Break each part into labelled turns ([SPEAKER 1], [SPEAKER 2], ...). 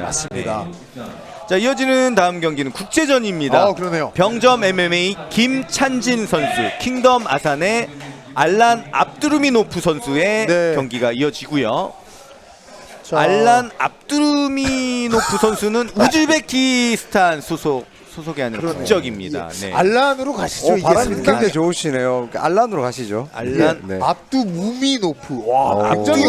[SPEAKER 1] 맞습니다.
[SPEAKER 2] 자, 이어지는 다음 경기는 국제전입니다.
[SPEAKER 1] 그러네요.
[SPEAKER 2] 병점 MMA 김찬진 선수, 킹덤 아산의 알란 압두르미노프 선수의
[SPEAKER 1] 네.
[SPEAKER 2] 경기가 이어지고요.
[SPEAKER 1] 자,
[SPEAKER 2] 알란 압두르미노프 선수는 우즈베키스탄 소속이 아닌
[SPEAKER 1] 그러네요.
[SPEAKER 2] 국적입니다. 네.
[SPEAKER 1] 알란으로 가시죠. 이게
[SPEAKER 3] 발음이
[SPEAKER 1] 상당히
[SPEAKER 3] 굉장히 좋으시네요. 알란으로 가시죠.
[SPEAKER 2] 알란
[SPEAKER 3] 네.
[SPEAKER 1] 압두무미노프. 와, 굉장히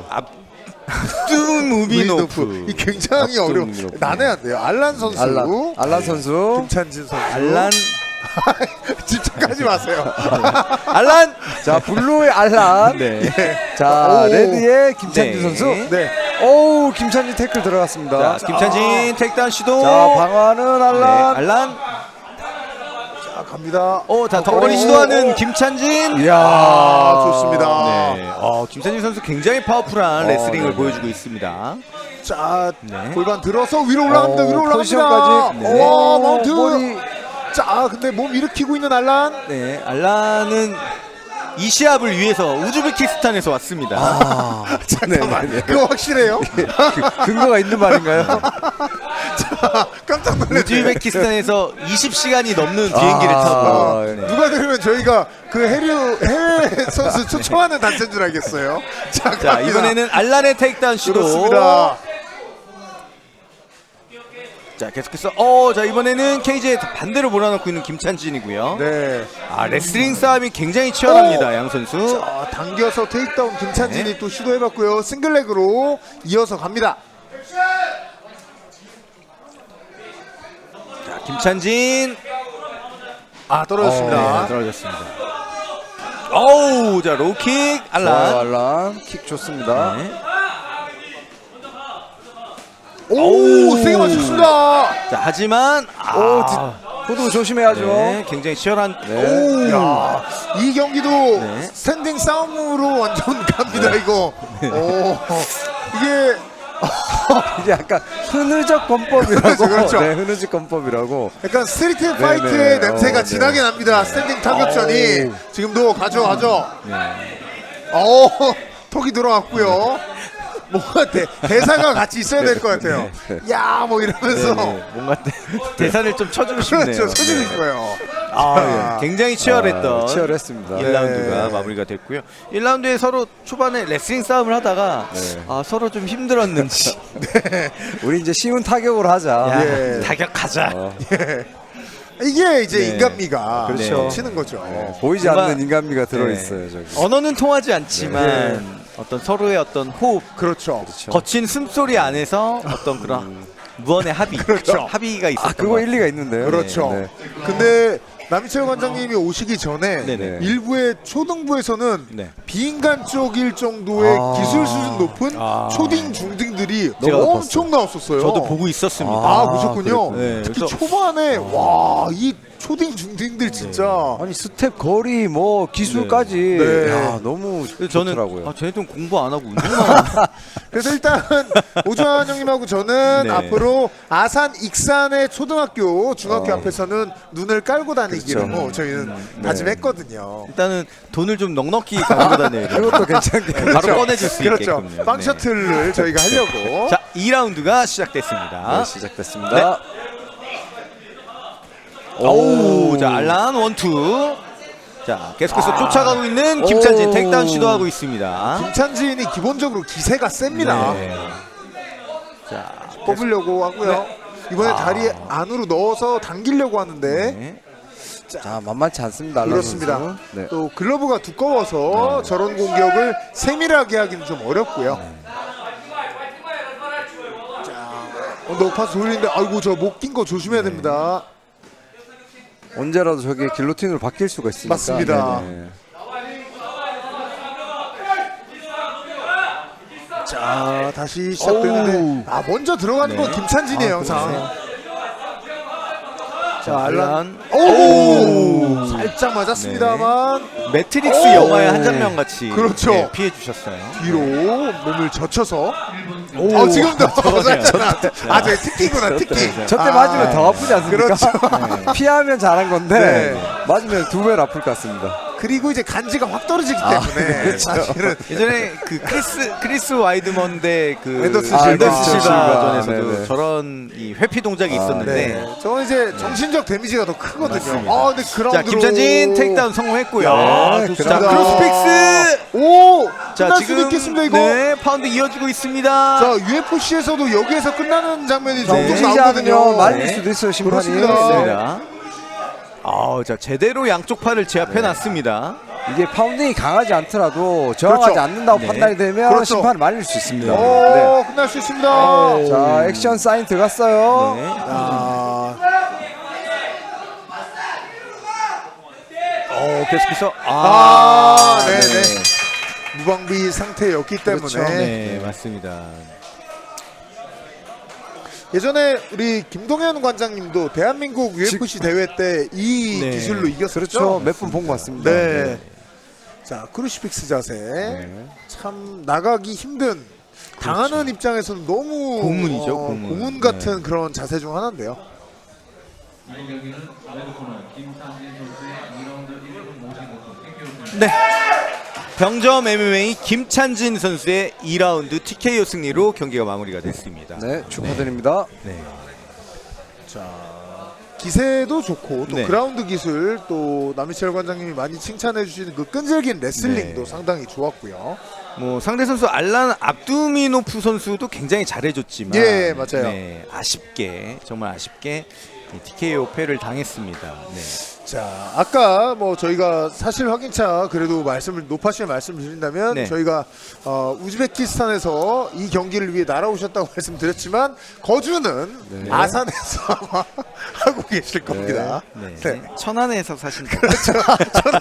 [SPEAKER 2] 압두무미노프.
[SPEAKER 1] 이 굉장히 어려운
[SPEAKER 3] 압두무미노프.
[SPEAKER 1] 난해한데요. 알란 선수,
[SPEAKER 3] 알란 선수.
[SPEAKER 1] 김찬진 선수.
[SPEAKER 2] 알란
[SPEAKER 1] 집착하지 마세요.
[SPEAKER 2] 알란.
[SPEAKER 3] 자, 블루의 알란.
[SPEAKER 2] 네.
[SPEAKER 3] 자,
[SPEAKER 1] 오.
[SPEAKER 3] 레드의 김찬진
[SPEAKER 2] 네.
[SPEAKER 3] 선수.
[SPEAKER 1] 네.
[SPEAKER 3] 오우, 김찬진 태클 들어갔습니다.
[SPEAKER 2] 자, 김찬진 택다운 시도.
[SPEAKER 3] 자, 방어하는
[SPEAKER 2] 네,
[SPEAKER 3] 알란.
[SPEAKER 2] 알란.
[SPEAKER 1] 자, 갑니다.
[SPEAKER 2] 자, 덩거리 시도하는 김찬진.
[SPEAKER 3] 이야,
[SPEAKER 1] 좋습니다.
[SPEAKER 2] 네. 김찬진 선수 굉장히 파워풀한 레슬링을 보여주고 있습니다.
[SPEAKER 1] 자,
[SPEAKER 2] 네.
[SPEAKER 1] 골반 들어서 위로 올라갑니다. 위로 올라갑니다.
[SPEAKER 3] 포지션까지.
[SPEAKER 2] 네.
[SPEAKER 1] 와, 마운트.
[SPEAKER 3] 머리.
[SPEAKER 1] 자, 근데 몸 일으키고 있는 알란.
[SPEAKER 2] 네, 알란은 이 시합을 위해서 우즈베키스탄에서 왔습니다.
[SPEAKER 1] 잠깐만,
[SPEAKER 3] 네.
[SPEAKER 1] 그거 확실해요?
[SPEAKER 3] 근거가 있는 말인가요?
[SPEAKER 1] 자, 깜짝 놀랐네요.
[SPEAKER 2] 우즈베키스탄에서 20시간이 넘는 비행기를 타고
[SPEAKER 3] 네.
[SPEAKER 1] 누가 들으면 저희가 그 해외 선수 초청하는 단체인 줄 알겠어요. 자,
[SPEAKER 2] 자,
[SPEAKER 1] 갑니다.
[SPEAKER 2] 이번에는 알란의 테이크다운 시도.
[SPEAKER 1] 그렇습니다.
[SPEAKER 2] 자, 계속해서 자, 이번에는 케이지에 반대로 몰아넣고 있는 김찬진이고요.
[SPEAKER 1] 네.
[SPEAKER 2] 레슬링 싸움이 굉장히 치열합니다. 양 선수.
[SPEAKER 1] 자, 당겨서 테이크다운 김찬진이
[SPEAKER 2] 네.
[SPEAKER 1] 또 시도해봤고요. 싱글렉으로 이어서 갑니다.
[SPEAKER 2] 자, 김찬진.
[SPEAKER 1] 떨어졌습니다.
[SPEAKER 2] 네, 떨어졌습니다. 어우, 자, 로우킥 알란.
[SPEAKER 3] 알란. 킥 좋습니다.
[SPEAKER 2] 네.
[SPEAKER 1] 오, 세게 맞췄습니다.
[SPEAKER 2] 자, 하지만
[SPEAKER 3] 호두 조심해야죠.
[SPEAKER 2] 네, 굉장히 치열한.
[SPEAKER 3] 네.
[SPEAKER 1] 야, 이 경기도
[SPEAKER 2] 네.
[SPEAKER 1] 스탠딩 싸움으로 완전 갑니다. 이거. 오, 이게
[SPEAKER 3] 이게 약간 흐느적 권법이라고.
[SPEAKER 1] 그렇죠.
[SPEAKER 3] 네, 흐느적 권법이라고.
[SPEAKER 1] 약간 스트리트
[SPEAKER 3] 네,
[SPEAKER 1] 파이트의
[SPEAKER 3] 네.
[SPEAKER 1] 냄새가
[SPEAKER 3] 네.
[SPEAKER 1] 진하게 납니다. 스탠딩 타격전이
[SPEAKER 3] 오.
[SPEAKER 1] 지금도 가죠.
[SPEAKER 2] 네.
[SPEAKER 1] 턱이 들어갔고요. 뭔가 대사가 같이 있어야 될 것 같아요. 야, 뭐 이러면서
[SPEAKER 2] 뭔가 대사를 좀 쳐주고 싶네요.
[SPEAKER 1] 그렇죠. 쳐주고 싶어요.
[SPEAKER 2] 굉장히 치열했던
[SPEAKER 3] 치열했습니다.
[SPEAKER 2] 1라운드가
[SPEAKER 1] 네.
[SPEAKER 2] 마무리가 됐고요. 1라운드에 서로 초반에 레슬링 싸움을 하다가 서로 좀 힘들었는지
[SPEAKER 3] 우리 이제 쉬운 타격으로 하자.
[SPEAKER 1] 예.
[SPEAKER 2] 타격하자.
[SPEAKER 1] 이게 이제
[SPEAKER 2] 네.
[SPEAKER 1] 인간미가
[SPEAKER 3] 그렇죠.
[SPEAKER 1] 치는 거죠.
[SPEAKER 3] 보이지
[SPEAKER 2] 뭔가-
[SPEAKER 3] 않는 인간미가 들어있어요. 저기.
[SPEAKER 2] 언어는 통하지 않지만 어떤 서로의 어떤 호흡,
[SPEAKER 1] 그렇죠.
[SPEAKER 2] 거친 숨소리 안에서 어떤 그런 무언의 합의,
[SPEAKER 1] 그렇죠.
[SPEAKER 2] 합의가 있었던
[SPEAKER 3] 그거
[SPEAKER 2] 것 같아요.
[SPEAKER 3] 일리가 있는데요.
[SPEAKER 1] 그렇죠.
[SPEAKER 3] 네.
[SPEAKER 1] 근데 남희철 관장님이 오시기 전에
[SPEAKER 2] 네네.
[SPEAKER 1] 일부의 초등부에서는
[SPEAKER 2] 네.
[SPEAKER 1] 비인간적일 정도의 기술 수준 높은 초딩 중딩들이
[SPEAKER 2] 제가
[SPEAKER 1] 엄청 나왔었어요.
[SPEAKER 2] 저도 보고 있었습니다.
[SPEAKER 1] 보셨군요.
[SPEAKER 2] 네,
[SPEAKER 1] 특히
[SPEAKER 2] 그래서-
[SPEAKER 1] 초반에 와, 이 초딩 중딩들 진짜
[SPEAKER 3] 아니 스텝 거리 뭐 기술까지
[SPEAKER 1] 네.
[SPEAKER 3] 야, 너무
[SPEAKER 2] 그래서 저는
[SPEAKER 3] 좋더라고요.
[SPEAKER 2] 쟤네들은 공부 안 하고 운동만 하나?
[SPEAKER 1] 그래서 일단 오주환 형님하고 저는
[SPEAKER 2] 네.
[SPEAKER 1] 앞으로 아산 익산의 초등학교 중학교
[SPEAKER 3] 어.
[SPEAKER 1] 앞에서는 눈을 깔고 다니기로
[SPEAKER 3] 그렇죠.
[SPEAKER 1] 저희는
[SPEAKER 3] 네.
[SPEAKER 1] 다짐했거든요.
[SPEAKER 2] 일단은 돈을 좀 넉넉히 가지고 다녀야 돼요.
[SPEAKER 3] 그것도 괜찮게.
[SPEAKER 2] 바로 꺼내줄 수
[SPEAKER 1] 그렇죠.
[SPEAKER 2] 있게끔요.
[SPEAKER 1] 빵
[SPEAKER 2] 네.
[SPEAKER 1] 셔틀을 저희가 하려고.
[SPEAKER 2] 자, 2라운드가 시작됐습니다.
[SPEAKER 3] 네, 시작됐습니다.
[SPEAKER 2] 오, 자, 알란 원투. 자, 계속해서 쫓아가고 있는 김찬진
[SPEAKER 3] 오.
[SPEAKER 2] 택다운 시도하고 있습니다.
[SPEAKER 1] 김찬진이 기본적으로 기세가 셉니다.
[SPEAKER 2] 네. 자,
[SPEAKER 1] 뽑으려고 하고요. 이번에 다리 안으로 넣어서 당기려고 하는데
[SPEAKER 2] 네.
[SPEAKER 3] 자, 만만치 않습니다. 알란
[SPEAKER 1] 그렇습니다.
[SPEAKER 3] 선수. 네.
[SPEAKER 1] 또 글러브가 두꺼워서 저런 공격을 세밀하게 하기는 좀 어렵고요. 자, 높아서 돌리는데 아이고 저 못 낀 거 조심해야 됩니다.
[SPEAKER 3] 언제라도 저게 길로틴으로 바뀔 수가 있으니까.
[SPEAKER 1] 맞습니다.
[SPEAKER 3] 네네.
[SPEAKER 1] 자, 다시 시작되는데 먼저 들어가는 건 김찬진이에요, 항상.
[SPEAKER 2] 그렇죠.
[SPEAKER 1] 자,
[SPEAKER 2] 자,
[SPEAKER 1] 알란.
[SPEAKER 2] 알란.
[SPEAKER 1] 오! 살짝 맞았습니다만
[SPEAKER 2] 매트릭스
[SPEAKER 1] 오.
[SPEAKER 2] 영화의 한 장면 같이
[SPEAKER 1] 그렇죠.
[SPEAKER 2] 피해 주셨어요.
[SPEAKER 1] 뒤로 몸을 젖혀서 지금도 맞았잖아. 저 특기구나, 특기.
[SPEAKER 3] 저때 맞으면 더 아프지 않습니까?
[SPEAKER 1] 그렇죠.
[SPEAKER 3] 피하면 잘한 건데
[SPEAKER 1] 네.
[SPEAKER 3] 맞으면 두 배로 아플 것 같습니다.
[SPEAKER 1] 그리고 이제 간지가 확 떨어지기 때문에
[SPEAKER 3] 그렇죠.
[SPEAKER 1] 사실은
[SPEAKER 2] 예전에 그 크리스 와이드먼 대
[SPEAKER 1] 앤더슨
[SPEAKER 2] 앤더슨
[SPEAKER 1] 실바.
[SPEAKER 2] 실바전에서도
[SPEAKER 3] 네네.
[SPEAKER 2] 저런 이 회피 동작이 있었는데.
[SPEAKER 1] 네. 저는 이제 정신적 데미지가 더 크거든요.
[SPEAKER 2] 맞습니다.
[SPEAKER 1] 아, 근데
[SPEAKER 2] 자,
[SPEAKER 1] 그라운드로
[SPEAKER 2] 김찬진 테이크다운 성공했고요.
[SPEAKER 1] 네,
[SPEAKER 2] 자,
[SPEAKER 1] 좋습니다.
[SPEAKER 2] 크로스픽스.
[SPEAKER 1] 오!
[SPEAKER 2] 자,
[SPEAKER 1] 끝날 수도
[SPEAKER 2] 지금
[SPEAKER 1] 있겠습니다 이거.
[SPEAKER 2] 네, 파운드 이어지고 있습니다.
[SPEAKER 1] 자, UFC에서도 여기에서 끝나는 장면이 종종
[SPEAKER 3] 움직이지
[SPEAKER 1] 나오거든요.
[SPEAKER 3] 않으면 말릴
[SPEAKER 2] 네.
[SPEAKER 3] 수도 있어요, 심판이.
[SPEAKER 1] 그렇습니다.
[SPEAKER 3] 네.
[SPEAKER 2] 맞습니다. 자, 제대로 양쪽 팔을 제압해 놨습니다.
[SPEAKER 3] 이게 파운딩이 강하지 않더라도 저항하지
[SPEAKER 1] 그렇죠.
[SPEAKER 3] 않는다고
[SPEAKER 2] 네.
[SPEAKER 3] 판단이 되면
[SPEAKER 1] 그렇죠.
[SPEAKER 3] 심판이 말릴 수 있습니다. 네.
[SPEAKER 1] 오, 끝날 수 있습니다.
[SPEAKER 3] 자, 액션 사인 들어갔어요.
[SPEAKER 2] 네.
[SPEAKER 1] 아,
[SPEAKER 2] 계속해서
[SPEAKER 1] 네네. 무방비 상태였기 때문에
[SPEAKER 3] 그렇죠.
[SPEAKER 2] 네, 맞습니다.
[SPEAKER 1] 예전에 우리 김동현 관장님도 대한민국 UFC 대회 때 이
[SPEAKER 2] 네.
[SPEAKER 1] 기술로 이겼었죠.
[SPEAKER 3] 그렇죠. 몇 분 본 것 같습니다.
[SPEAKER 1] 네. 자, 크루시픽스 자세.
[SPEAKER 3] 네.
[SPEAKER 1] 참 나가기 힘든 당하는 입장에서는 너무
[SPEAKER 2] 고문이죠, 고문.
[SPEAKER 1] 고문 같은 그런 자세 중 하나인데요.
[SPEAKER 2] 네. 병점 MMA 김찬진 선수의 2라운드 TKO 승리로 경기가 마무리가 됐습니다.
[SPEAKER 3] 네, 축하드립니다.
[SPEAKER 2] 네.
[SPEAKER 1] 기세도 좋고 또
[SPEAKER 2] 네.
[SPEAKER 1] 그라운드 기술 또 남희철 관장님이 많이 칭찬해 주시는 그 끈질긴 레슬링도
[SPEAKER 2] 네.
[SPEAKER 1] 상당히 좋았고요.
[SPEAKER 2] 뭐 상대 선수 알란 압두미노프 선수도 굉장히 잘해줬지만
[SPEAKER 1] 예, 맞아요.
[SPEAKER 2] 네, 아쉽게 정말 아쉽게 TKO 패를 당했습니다. 네.
[SPEAKER 1] 자, 아까 뭐 저희가 사실 확인차 그래도 높아시게 말씀을 드린다면
[SPEAKER 2] 네.
[SPEAKER 1] 저희가 우즈베키스탄에서 이 경기를 위해 날아오셨다고 말씀드렸지만 거주는
[SPEAKER 3] 네.
[SPEAKER 1] 아산에서 아마 하고 계실 겁니다.
[SPEAKER 2] 네.
[SPEAKER 1] 네.
[SPEAKER 2] 천안에서 사신다.